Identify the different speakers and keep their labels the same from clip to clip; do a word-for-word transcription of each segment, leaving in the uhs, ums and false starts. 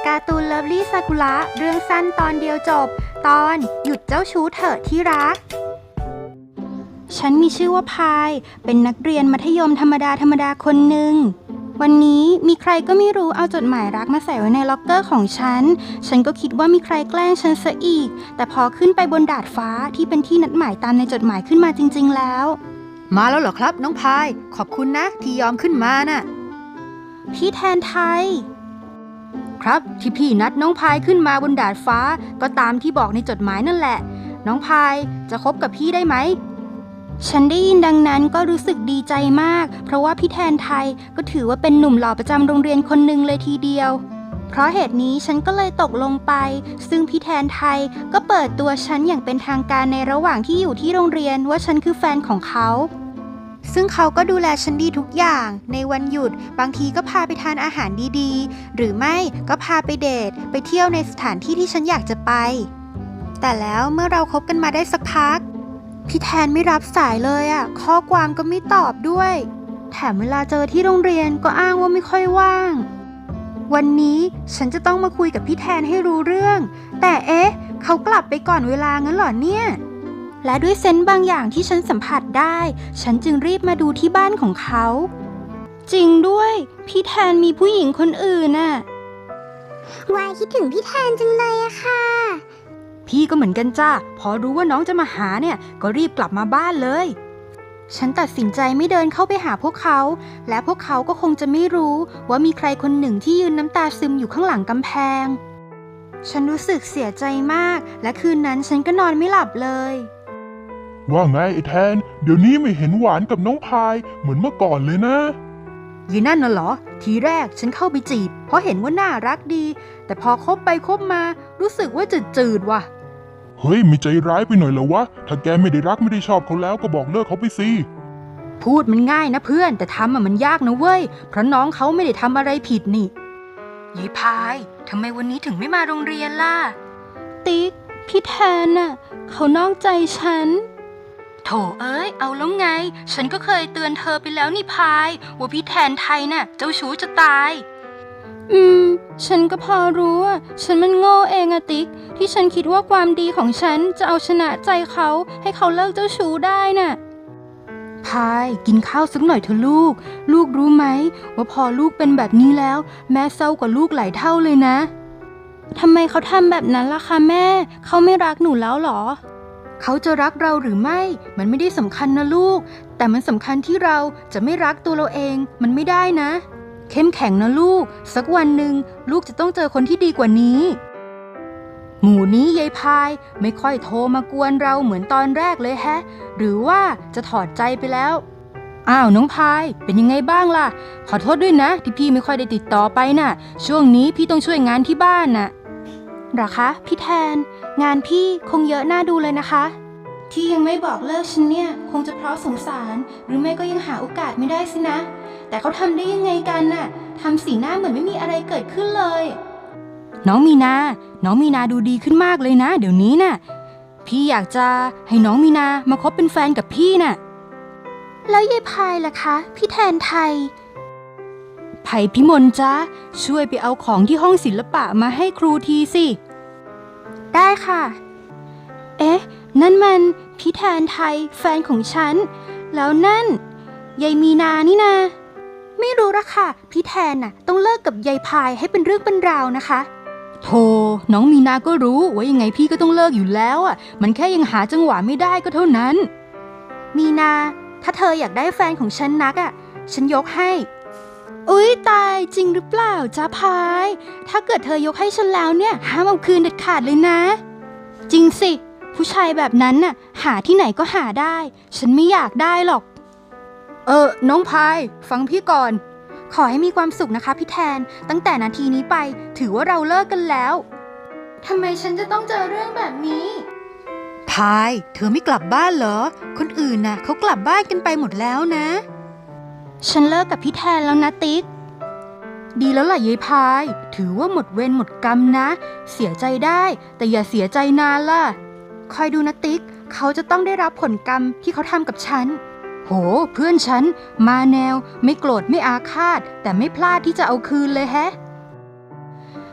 Speaker 1: การ์ตูนเลิฟลี่ซากุระเรื่องสั้นตอนเดียวจบตอนหยุดเจ้าชู้เถอะที่รักฉันมีชื่อว่าพายเป็นนักเรียนมัธยมธรรมดาธรรมดาคนหนึ่งวันนี้มีใครก็ไม่รู้เอาจดหมายรักมาใส่ไว้ในล็อกเกอร์ของฉันฉันก็คิดว่ามีใครแกล้งฉันซะอีกแต่พอขึ้นไปบนดาดฟ้าที่เป็นที่นัดหมายตามในจดหมายขึ้นมาจริงๆแล้ว
Speaker 2: มาแล้วเหรอครับน้องพายขอบคุณนะที่ยอมขึ้นมาน่ะ
Speaker 1: พี่แทนไทย
Speaker 2: ครับที่พี่นัดน้องพายขึ้นมาบนดาดฟ้าก็ตามที่บอกในจดหมายนั่นแหละน้องพายจะคบกับพี่ได้ไหม
Speaker 1: ฉันได้ยินดังนั้นก็รู้สึกดีใจมากเพราะว่าพี่แทนไทยก็ถือว่าเป็นหนุ่มหล่อประจำโรงเรียนคนหนึ่งเลยทีเดียวเพราะเหตุนี้ฉันก็เลยตกลงไปซึ่งพี่แทนไทยก็เปิดตัวฉันอย่างเป็นทางการในระหว่างที่อยู่ที่โรงเรียนว่าฉันคือแฟนของเขาซึ่งเขาก็ดูแลฉันดีทุกอย่างในวันหยุดบางทีก็พาไปทานอาหารดีๆหรือไม่ก็พาไปเดทไปเที่ยวในสถานที่ที่ฉันอยากจะไปแต่แล้วเมื่อเราคบกันมาได้สักพักพี่แทนไม่รับสายเลยอ่ะข้อความก็ไม่ตอบด้วยแถมเวลาเจอที่โรงเรียนก็อ้างว่าไม่ค่อยว่างวันนี้ฉันจะต้องมาคุยกับพี่แทนให้รู้เรื่องแต่เอ๊ะเขากลับไปก่อนเวลางั้นเหรอเนี่ยและด้วยเซนส์บางอย่างที่ฉันสัมผัสได้ฉันจึงรีบมาดูที่บ้านของเขาจริงด้วยพี่แทนมีผู้หญิงคนอื่นน่ะ
Speaker 3: วายคิดถึงพี่แทนจังเลยอะค่ะ
Speaker 2: พี่ก็เหมือนกันจ้าพอรู้ว่าน้องจะมาหาเนี่ยก็รีบกลับมาบ้านเลย
Speaker 1: ฉันตัดสินใจไม่เดินเข้าไปหาพวกเขาและพวกเขาก็คงจะไม่รู้ว่ามีใครคนหนึ่งที่ยืนน้ำตาซึมอยู่ข้างหลังกำแพงฉันรู้สึกเสียใจมากและคืนนั้นฉันก็นอนไม่หลับเลย
Speaker 4: ว่าไงไอ้แทนเดี๋ยวนี้ไม่เห็นหวานกับน้องพายเหมือนเมื่อก่อนเลยนะ
Speaker 2: ยีนั่นน่ะเหรอทีแรกฉันเข้าไปจีบเพราะเห็นว่าน่ารักดีแต่พอคบไปคบมารู้สึกว่าจืดๆว่ะ
Speaker 4: เฮ้ยมีใจร้ายไปหน่อยเหรอวะถ้าแกไม่ได้รักไม่ได้ชอบเขาแล้วก็บอกเลิกเขาไปสิ
Speaker 2: พูดมันง่ายนะเพื่อนแต่ทำอะมันยากนะเว้ยเพราะน้องเขาไม่ได้ทำอะไรผิดนี่ยีพายทำไมวันนี้ถึงไม่มาโรงเรียนล่ะ
Speaker 1: ติ๊กพี่แทนน่ะเขานอกใจฉัน
Speaker 2: โถเอ้ยเอาแล้วไงฉันก็เคยเตือนเธอไปแล้วนี่พายว่าพี่แทนไทยน่ะเจ้าชู้จะตาย
Speaker 1: อืมฉันก็พอรู้อ่ะฉันมันโง่เองอะติ๊กที่ฉันคิดว่าความดีของฉันจะเอาชนะใจเขาให้เขาเลิกเจ้าชู้ได้น่ะ
Speaker 2: พายกินข้าวสักหน่อยเถอะลูกลูกรู้ไหมว่าพอลูกเป็นแบบนี้แล้วแม่เศร้ากว่าลูกหลายเท่าเลยนะ
Speaker 1: ทำไมเขาทำแบบนั้นล่ะคะแม่เขาไม่รักหนูแล้วหรอ
Speaker 2: เขาจะรักเราหรือไม่มันไม่ได้สำคัญนะลูกแต่มันสำคัญที่เราจะไม่รักตัวเราเองมันไม่ได้นะเข้มแข็งนะลูกสักวันหนึ่งลูกจะต้องเจอคนที่ดีกว่านี้หมู่นี้ยายพายไม่ค่อยโทรมากวนเราเหมือนตอนแรกเลยแฮะหรือว่าจะถอดใจไปแล้วอ้าวน้องพายเป็นยังไงบ้างล่ะขอโทษด้วยนะที่พี่ไม่ค่อยได้ติดต่อไปน่ะช่วงนี้พี่ต้องช่วยงานที่บ้านน่ะ
Speaker 1: หรอคะพี่แทนงานพี่คงเยอะน่าดูเลยนะคะที่ยังไม่บอกเลิกฉันเนี่ยคงจะเพราะสงสารหรือไม่ก็ยังหาโอกาสไม่ได้สินะแต่เขาทำได้ยังไงกันน่ะทำสีหน้าเหมือนไม่มีอะไรเกิดขึ้นเลย
Speaker 2: น้องมีนาน้องมีนาดูดีขึ้นมากเลยนะเดี๋ยวนี้น่ะพี่อยากจะให้น้องมีนามาคบเป็นแฟนกับพี่น่ะ
Speaker 1: แล้วยายพายล่ะคะพี่แทนไทย
Speaker 2: ไผ่พิมลจ้าช่วยไปเอาของที่ห้องศิลปะมาให้ครูทีสิ
Speaker 1: ได้ค่ะเอ๊ะนั่นมันพี่แทนไทยแฟนของฉันแล้วนั่นยายมีนานี่นาไม่รู้ละค่ะพี่แทนน่ะต้องเลิกกับยายพายให้เป็นเรื่องเป็นราวนะคะ
Speaker 2: โธ่น้องมีนาก็รู้ว่ายังไงพี่ก็ต้องเลิกอยู่แล้วอ่ะมันแค่ยังหาจังหวะไม่ได้ก็เท่านั้น
Speaker 1: มีนาถ้าเธออยากได้แฟนของฉันนักอ่ะฉันยกให้อุ๊ยตายจริงหรือเปล่าจ๊ะพายถ้าเกิดเธอยกให้ฉันแล้วเนี่ยห้ามเอาคืนเด็ดขาดเลยนะจริงสิผู้ชายแบบนั้นน่ะหาที่ไหนก็หาได้ฉันไม่อยากได้หรอก
Speaker 2: เออน้องพายฟังพี่ก่อน
Speaker 1: ขอให้มีความสุขนะคะพี่แทนตั้งแต่นาทีนี้ไปถือว่าเราเลิกกันแล้วทำไมฉันจะต้องเจอเรื่องแบบนี้
Speaker 2: พายเธอไม่กลับบ้านเหรอคนอื่นน่ะเขากลับบ้านกันไปหมดแล้วนะ
Speaker 1: ฉันเลิกกับพี่แทนแล้วนะติ๊ก
Speaker 2: ดีแล้วล่ะยายพายถือว่าหมดเวรหมดกรรมนะเสียใจได้แต่อย่าเสียใจนานล่ะ
Speaker 1: คอยดูนะติ๊กเขาจะต้องได้รับผลกรรมที่เขาทำกับฉัน
Speaker 2: โหเพื่อนฉันมาแนวไม่โกรธไม่อาฆาตแต่ไม่พลาดที่จะเอาคืนเลยแฮะ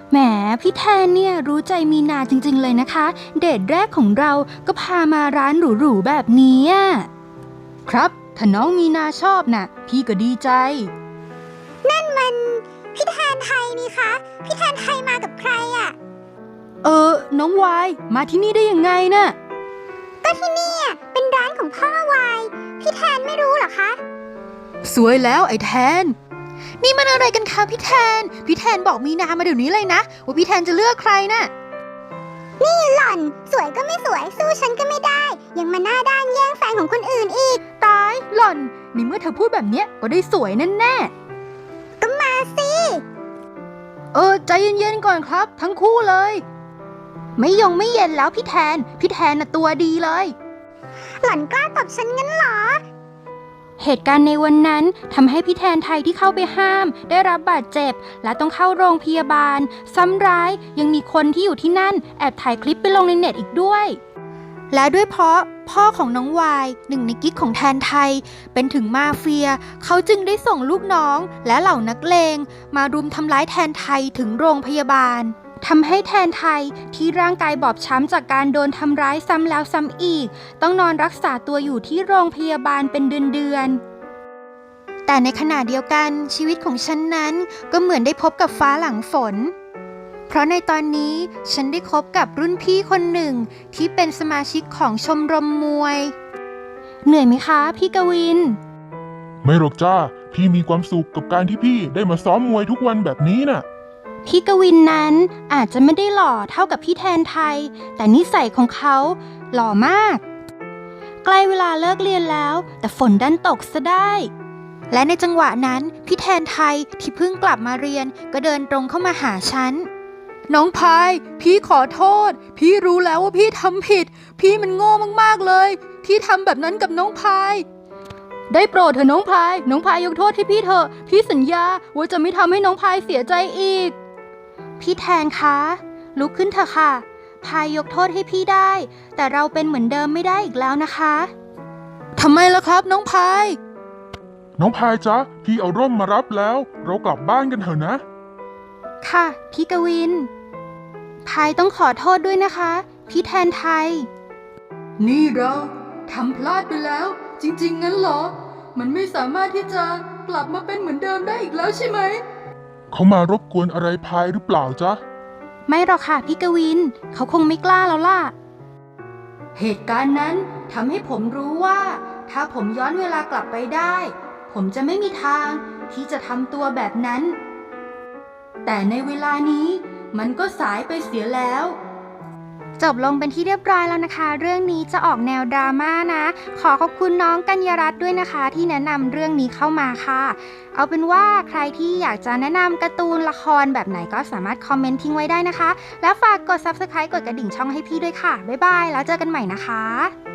Speaker 1: แหมพี่แทนเนี่ยรู้ใจมีนาจริงๆเลยนะคะ เดทแรกของเราก็พามาร้านหรูๆแบบนี้อะ
Speaker 2: ครับถ้าน้องมีนาชอบน่ะ พี่ก็ดีใจ
Speaker 3: นั่นมันพี่แทนไทยนี่คะ พี่แทนไทยมากับใครอะ
Speaker 2: เออ น้องวายมาที่นี่ได้ยังไงน่ะ
Speaker 3: ก็ที่นี่อะเป็นร้านของพ่อวาย พี่แทนไม่รู้เหรอคะ
Speaker 2: สวยแล้วไอ้แทน นี่มันอะไรกันคะพี่แทน พี่แทนบอกมีนามาเดี๋ยวนี้เลยนะ ว่าพี่แทนจะเลือกใครน่ะ
Speaker 3: นี่หล่อน สวยก็ไม่สวยสู้ฉันก็ไม่ได้ ยังมาหน้าด้านแย่งแฟนของคนอื่นอีก
Speaker 2: ตายหล่อนในเมื่อเธอพูดแบบเนี้ยก็ได้สวยแน่แน่
Speaker 3: ก็มาสิ
Speaker 2: ๆเออใจเย็นๆก่อนครับ ทั้งคู่เลย ไม่ยงไม่เย็นแล้วพี่แทน พี่แทนน่ะตัวดีเลย
Speaker 3: หล่อนกล้าตบฉันงั้นเหรอ
Speaker 1: เหตุการณ์ในวันนั้นทำให้พี่แทนไทยที่เข้าไปห้าม ได้รับบาดเจ็บ และต้องเข้าโรงพยาบาล ซ้ำร้ายยังมีคนที่อยู่ที่นั่นแอบถ่ายคลิปไปลงในเน็ตอีกด้วย และด้วยเพราะพ่อของน้องวายหนึ่งในกิ๊กของแทนไทย เป็นถึงมาเฟีย เขาจึงได้ส่งลูกน้องและเหล่านักเลงมารุมทำร้ายแทนไทยถึงโรงพยาบาลทำให้แทนไทยที่ร่างกายบอบช้ำจากการโดนทำร้ายซ้ำแล้วซ้ำอีก ต้องนอนรักษาตัวอยู่ที่โรงพยาบาลเป็นเดือนๆแต่ในขณะเดียวกันชีวิตของฉันนั้นก็เหมือนได้พบกับฟ้าหลังฝน เพราะในตอนนี้ฉันได้คบกับรุ่นพี่คนหนึ่งที่เป็นสมาชิกของชมรมมวยเหนื่อยไหมคะพี่กวิน
Speaker 4: ไม่หรอกจ้า พี่มีความสุขกับการที่พี่ได้มาซ้อมมวยทุกวันแบบนี้น่ะ
Speaker 1: พี่กวินนั้นอาจจะไม่ได้หล่อเท่ากับพี่แทนไทย แต่นิสัยของเขาหล่อมาก ใกล้เวลาเลิกเรียนแล้ว แต่ฝนดันตกซะได้
Speaker 2: และในจังหวะนั้นพี่แทนไทยที่เพิ่งกลับมาเรียนก็เดินตรงเข้ามาหาฉัน น้องพาย พี่ขอโทษ พี่รู้แล้วว่าพี่ทำผิด พี่มันโง่มากๆเลย ที่ทำแบบนั้นกับน้องพาย ได้โปรดเถอะน้องพาย น้องพายยกโทษให้พี่เถอะ พี่สัญญาว่าจะไม่ทำให้น้องพายเสียใจอีก
Speaker 1: พี่แทนคะ ลุกขึ้นเถอะค่ะ พายยกโทษให้พี่ได้ แต่เราเป็นเหมือนเดิมไม่ได้อีกแล้วนะคะ
Speaker 2: ทำไมล่ะครับน้องพาย
Speaker 4: น้องพายจ๊ะ พี่เอาร่มมารับแล้ว เรากลับบ้านกันเถอะนะ
Speaker 1: ค่ะ พี่กวิน พายต้องขอโทษด้วยนะคะ พี่แทนไทย
Speaker 2: นี่เราทำพลาดไปแล้ว จริงๆงั้นเหรอ มันไม่สามารถที่จะกลับมาเป็นเหมือนเดิมได้อีกแล้วใช่ไหม
Speaker 4: เขามารบกวนอะไรพายหรือเปล่าจ๊ะ
Speaker 1: ไม่หรอกค่ะพี่กวิน เขาคงไม่กล้าแล้วล่ะ
Speaker 2: เหตุการณ์นั้นทำให้ผมรู้ว่า ถ้าผมย้อนเวลากลับไปได้ ผมจะไม่มีทางที่จะทำตัวแบบนั้น แต่ในเวลานี้มันก็สายไปเสียแล้ว
Speaker 1: จบลงเป็นที่เรียบร้อยแล้วนะคะ เรื่องนี้จะออกแนวดราม่านะ ขอขอบคุณน้องกัญญารัตน์ด้วยนะคะ ที่แนะนำเรื่องนี้เข้ามาค่ะ เอาเป็นว่าใครที่อยากจะแนะนำการ์ตูนละครแบบไหนก็สามารถคอมเมนต์ทิ้งไว้ได้นะคะ แล้วฝากกด ซับสไครบ์ กดกระดิ่งช่องให้พี่ด้วยค่ะ บ๊ายบาย แล้วเจอกันใหม่นะคะ